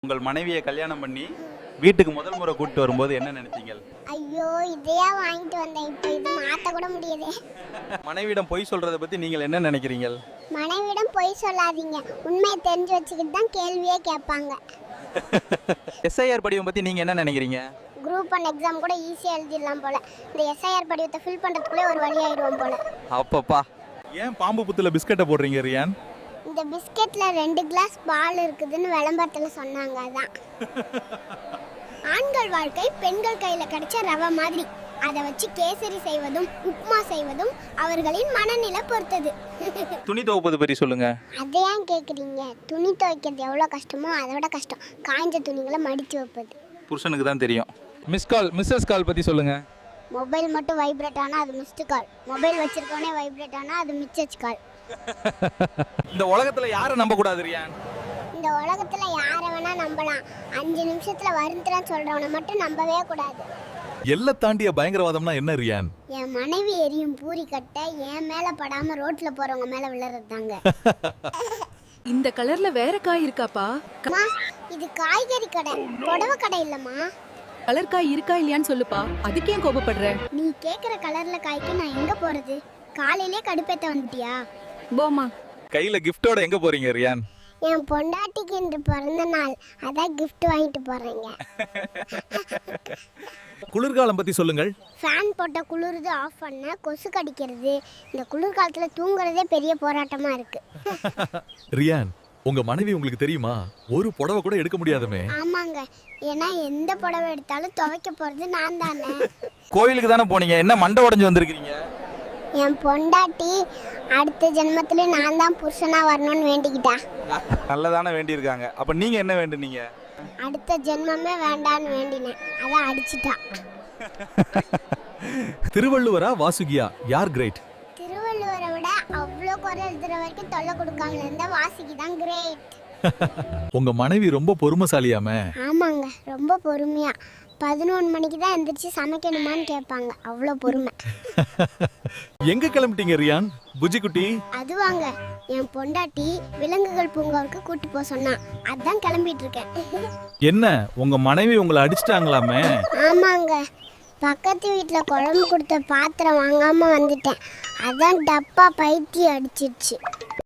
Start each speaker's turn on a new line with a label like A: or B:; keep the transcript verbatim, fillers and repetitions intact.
A: உங்கள் மனைவியை கல்யாணம் பண்ணி வீட்டுக்கு முதல் முறை கூட்டிட்டு வரும்போது என்ன நினைச்சீங்க?
B: ஐயோ இதையா வாங்கிட்டு வந்தேன், இப்போ இது மாற்ற கூட முடியாது.
A: மனைவியிடம் பொய் சொல்றதை பத்தி நீங்கள் என்ன நினைக்கிறீங்க?
B: மனைவிடம் பொய் சொல்லாதீங்க, உண்மையை தெரிஞ்சு வச்சுக்கிட்டு தான் கேள்வியே கேட்பாங்க.
A: எஸ்ஐஆர் படிவம் பத்தி நீங்க என்ன நினைக்கிறீங்க?
B: குரூப் ஒன் எக்ஸாம் கூட ஈஸியாக எழுதிடலாம் போல. இந்த எஸ்ஐஆர் படிவத்தை ஃபில் பண்ணுறதுக்குள்ளே ஒரு வழி ஆயிடுவோம் போல.
A: அப்பப்பா, ஏன் பாம்பு புத்துல பிஸ்கட்டை போடுறீங்க ரியான்?
B: இந்த பிஸ்கெட்டில் ரெண்டு கிளாஸ் பால் இருக்குதுன்னு விளம்பரத்தில் சொன்னாங்க. அதான் ஆண்கள் வாழ்க்கை பெண்கள் கையில் கிடைச்ச ரவை மாதிரி. அதை வச்சு கேசரி செய்வதும் உப்புமா செய்வதும் அவர்களின் மனநிலை பொறுத்தது.
A: துணி துவைப்பது பற்றி சொல்லுங்க.
B: அதை ஏன் கேட்குறீங்க? துணி துவைக்கிறது எவ்வளோ கஷ்டமோ அதை விட கஷ்டம் காய்ஞ்ச துணிகளை மடித்து வைப்பது.
A: புருஷனுக்கு தான் தெரியும். மிஸ் கால் மிஸ்ஸஸ் கால் பற்றி சொல்லுங்க.
B: மொபைல் மட்டும் வைப்ரேட் ஆனால் அது மிஸ்டு கால், மொபைல் வச்சிருக்கோனே வைப்ரேட் ஆனால் அது மிச்சச் கால்.
A: இந்த உலகத்துல யாரை நம்ப கூடாது ரியான்?
B: இந்த உலகத்துல யாரை வேணா நம்பலாம், அஞ்சு நிமிஷத்துல வருந்துறேன்னு சொல்றவனை மட்டும் நம்பவே கூடாது.
C: எல்லை தாண்டிய பயங்கரவாதம்னா என்ன ரியான்?
B: என் மனைவி எரியும் பூரி கட்டை என் மேல படாம ரோட்ல போறவங்க மேல விழுறது தாங்க.
D: இந்த கலர்ல வேற காய் இருக்காப்பா?
B: அம்மா, இது காய்கறி கடை, புடவை கடை இல்லம்மா.
D: கலர் காய் இருக்கா இல்லையான்னு சொல்லுப்பா, அதுக்கே கோபப்படுற?
B: நீ கேக்குற கலர்ல காய்க்கு நான் எங்க போறது? காலையிலே கடுப்பேத்த வந்துட்டியா?
D: போமா.
A: கையில கிஃப்டோட எங்க போறீங்க ரியான்?
B: என் பொண்டாட்டிக்கு இன்று பிறந்த நாள், அதான் கிஃப்ட் வாங்கிட்டு போறேங்க.
C: குளிர்காலம் பத்தி சொல்லுங்கள்.
B: ஃபேன் போட்ட குளிருது ஆஃப் பண்ண கொசு கடிக்கிறது. இந்த குளிர்காலத்துல தூங்குறதே பெரிய போராட்டமா இருக்கு.
C: ரியான், உங்க மனைவி உங்களுக்கு தெரியுமா? ஒரு புடவை கூட எடுக்க முடியாதுமே.
B: ஆமாங்க, ஏன்னா எந்த புடவை எடுத்தாலும் துவைக்க போறது நான் தானே.
A: கோயிலுக்கு தானே போனீங்க, என்ன மண்டை உடைஞ்சு வந்திருக்கீங்க?
B: என் பொண்டாட்டி அடுத்த ஜென்மத்துல நான் தான் புருஷனா வரணும்னு வேண்டிக்கிட்டா.
A: நல்லதானே வேண்டியிருக்காங்க. அப்ப நீங்க என்ன வேண்டுனீங்க?
B: அடுத்த ஜென்மமே வேண்டான்னு வேண்டினேன், அதான் அடிச்சிட்டா.
C: திருவள்ளுவரா வாசுகியா, யார் கிரேட்?
B: திருவள்ளுவரை விட அவ்வளோ குறை எழுதுற வரைக்கும் தொல்லை கொடுக்காம இருந்த வாசிக்கு தான் கிரேட்.
C: உங்க மனைவி ரொம்ப பொறுமைசாலியாமே.
B: ஆமாங்க, ரொம்ப பொறுமையா. பதினொன்று மணிக்கு தான் எந்திரிச்சு சமைக்கணுமான்னு கேட்பாங்க, அவ்வளோ பொறுமை.
C: எங்க கிளம்பிட்டீங்க ரியான் புஜி குட்டி?
B: அதுவாங்க, என் பொண்டாட்டி விலங்குகள் பூங்காவுக்கு கூட்டி போக சொன்னா, அதான் கிளம்பிட்டு இருக்கேன்.
C: என்ன, உங்க மனைவி உங்களை அடிச்சிட்டாங்களாமே?
B: ஆமாங்க, பக்கத்து வீட்டில் குழம்பு கொடுத்த பாத்திரம் வாங்காம வந்துட்டேன், அதான் டப்பா பைத்தி அடிச்சிருச்சு.